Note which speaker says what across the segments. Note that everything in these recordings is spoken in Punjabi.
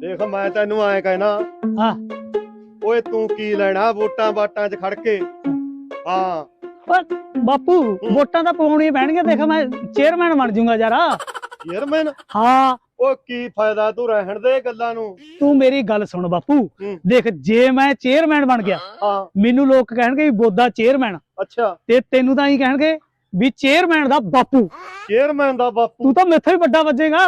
Speaker 1: देख मैं तेनू आए कहना
Speaker 2: हाँ
Speaker 1: ओए तू की लेना वोटां बाटां च खड़ के। हाँ
Speaker 2: बापू वोटां ਤਾਂ ਪਾਉਣੀਆਂ ਪੈਣਗੀਆਂ देख मैं चेयरमैन बन जाऊंगा यार।
Speaker 1: चेयरमैन
Speaker 2: हाँ
Speaker 1: ओ की फायदा तू रहन दे गल्लां नू।
Speaker 2: तू मेरी गल सुन बापू देख जे मैं चेयरमैन बन गया
Speaker 1: हाँ
Speaker 2: मैनू लोग कहणगे भी बोदा चेयरमैन
Speaker 1: अच्छा
Speaker 2: ते तेनू ਤਾਂ ਹੀ ਕਹਿਣਗੇ भी चेयरमैन ਦਾ ਬਾਪੂ।
Speaker 1: चेयरमैन दा बापू
Speaker 2: तू तो मेथों ही ਵੱਡਾ ਵੱਜੇਗਾ।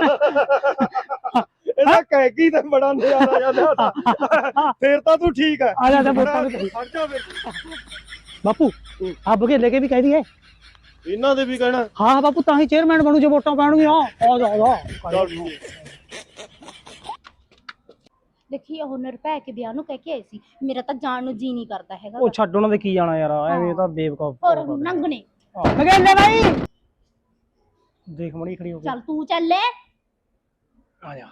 Speaker 1: ਇਹਦਾ ਕਹਿ ਕੀ ਤੇ ਬੜਾ ਨਜ਼ਾਰਾ ਜਾਂਦਾ ਫੇਰ ਤਾਂ ਤੂੰ ਠੀਕ ਹੈ।
Speaker 2: ਆ ਜਾ ਵੋਟਾਂ ਨੂੰ
Speaker 1: ਖੜ ਜਾ ਫਿਰ
Speaker 2: ਬਾਪੂ ਆ ਬਘੇਲੇ ਕੇ ਵੀ ਕਹਿ ਦਈਏ
Speaker 1: ਇਹਨਾਂ ਦੇ ਵੀ ਕਹਿਣਾ।
Speaker 2: हाँ बापू ਤਾਂ ਹੀ चेयरमैन बनू जो वोटां पैणगीਆਂ। आ जा
Speaker 1: ਚੱਲ ਠੀਕ।
Speaker 3: ਦੇਖੀ ਉਹ ਨਿਰਭੈ ਕੇ ਵਿਆਹ ਨੂੰ ਕਹਿ ਕੇ ਆਈ ਸੀ ਮੇਰਾ ਤਾਂ ਜਾਣ ਨੂੰ ਜੀ ਨਹੀਂ ਕਰਦਾ ਹੈਗਾ
Speaker 2: ਉਹ ਛੱਡ ਉਹਨਾਂ ਦੇ ਕੀ ਜਾਣਾ ਯਾਰ ਐਵੇਂ ਤਾਂ ਬੇਵਕੂਫ
Speaker 3: ਹੋਰ ਨੰਗਣੇ
Speaker 2: ਬਘੇਲੇ ਭਾਈ ਦੇਖ ਮਣੀ ਖੜੀ ਹੋ ਕੇ
Speaker 3: ਚੱਲ ਤੂੰ ਚੱਲੇ
Speaker 2: ਆ ਜਾ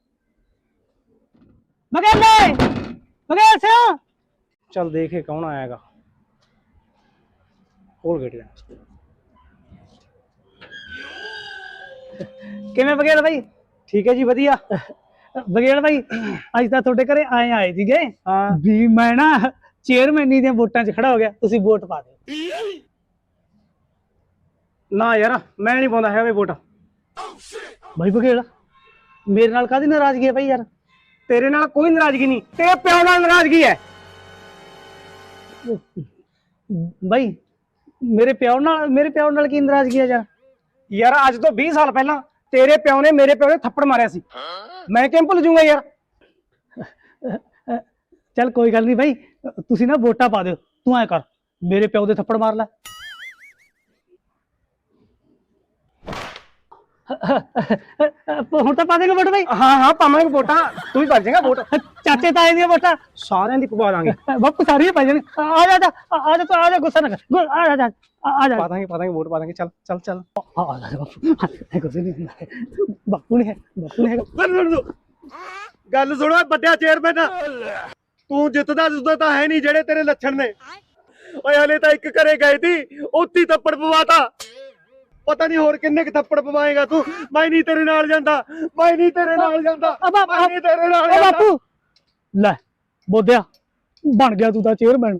Speaker 2: ਬਘੇਲ ਸਿਆ ਚੱਲ ਦੇਖੇ ਕੌਣ ਆਏਗਾ ਖੋਲ ਗੇਟ ਕਿਵੇਂ ਬਘੇਲ ਭਾਈ ਠੀਕ ਹੈ ਜੀ ਵਧੀਆ ਬਘੇਲ ਭਾਈ ਅੱਜ ਤਾਂ ਤੁਹਾਡੇ ਘਰੇ ਆਏ ਸੀਗੇ ਵੀ ਮੈਂ ਨਾ ਚੇਅਰਮੈਨੀ ਦੀਆਂ ਵੋਟਾਂ 'ਚ ਖੜਾ ਹੋ ਗਿਆ ਤੁਸੀਂ ਵੋਟ ਪਾ ਦਿਓ ਨਾ ਯਾਰ ਮੈਂ ਨਹੀਂ ਪਾਉਂਦਾ ਹੈ ਵੋਟ ਭਾਈ ਬਘੇਲ ਮੇਰੇ ਨਾਲ ਕਾਹਦੀ ਨਾਰਾਜ਼ਗੀ ਹੈ ਭਾਈ ਯਾਰ ਤੇਰੇ ਨਾਲ ਕੋਈ ਨਾਰਾਜ਼ਗੀ ਨਹੀਂ ਤੇਰੇ ਪਿਓ ਨਾਲ ਨਾਰਾਜ਼ਗੀ ਹੈ ਭਾਈ ਮੇਰੇ ਪਿਓ ਨਾਲ ਕੀ ਨਾਰਾਜ਼ਗੀ ਹੈ ਯਾਰ ਅੱਜ ਤੋਂ 20 ਸਾਲ ਪਹਿਲਾਂ ਤੇਰੇ ਪਿਓ ਨੇ ਮੇਰੇ ਪਿਓ ਦੇ ਥੱਪੜ ਮਾਰਿਆ ਸੀ ਮੈਂ ਕਿਵੇਂ ਭੁੱਲ ਜਾਊਂਗਾ ਯਾਰ ਚੱਲ ਕੋਈ ਗੱਲ ਨਹੀਂ ਭਾਈ ਤੁਸੀਂ ਨਾ ਵੋਟਾਂ ਪਾ ਦਿਓ ਤੂੰ ਐ ਕਰ ਮੇਰੇ ਪਿਓ ਦੇ ਥੱਪੜ ਮਾਰ ਲੈ ਹੁਣ ਤਾਂ ਪਾ ਦੇਗਾ ਵੋਟ ਭਾਈ ਹਾਂ ਪਾਵਾਂਗੇ ਵੋਟਾਂ ਤੂੰ ਵੀ ਪਾ ਦੇਗਾ ਵੋਟ ਚਾਚੇ ਤਾਏ ਦੀਆਂ ਵੋਟਾਂ ਸਾਰਿਆਂ ਦੀ ਪਵਾ ਦਾਂਗੇ ਬਾਪੂ ਸਾਰੀਆਂ ਪਾ ਜਾਣੇ ਆ ਜਾ ਗੁੱਸਾ ਨਾ ਕਰ ਆ ਜਾ ਪਾ ਦਾਂਗੇ ਵੋਟ ਪਾ ਦਾਂਗੇ ਚੱਲ ਆ ਜਾ ਬਾਪੂ ਗੁੱਸੇ ਨਹੀਂ ਹੁੰਦਾ ਬਾਪੂ ਨੇ
Speaker 1: ਗੱਲ ਸੁਣੋ ਵੱਡਿਆ ਚੇਅਰਮੈਨ ਤੂੰ ਜਿੱਤਦਾ ਤਾਂ ਹੈ ਨਹੀਂ ਜਿਹੜੇ ਤੇਰੇ ਲੱਛਣ ਨੇ ਓਏ ਹਲੇ ਤਾਂ ਇੱਕ ਘਰੇ ਗਏ ਸੀ ਉੱਤੀ ਥੱਪੜ ਪਵਾਤਾ ਪਤਾ ਨਹੀਂ ਹੋਰ ਕਿੰਨੇ ਕ ਥੱਪੜ ਪਵਾਏਗਾ ਤੂੰ ਮੈਂ ਨਹੀਂ ਤੇਰੇ ਨਾਲ ਜਾਂਦਾ
Speaker 2: ਬਾਪੂ ਲੈ ਬੋਦਿਆ ਬਣ ਗਿਆ ਤੂੰ ਤਾਂ ਚੇਅਰਮੈਨ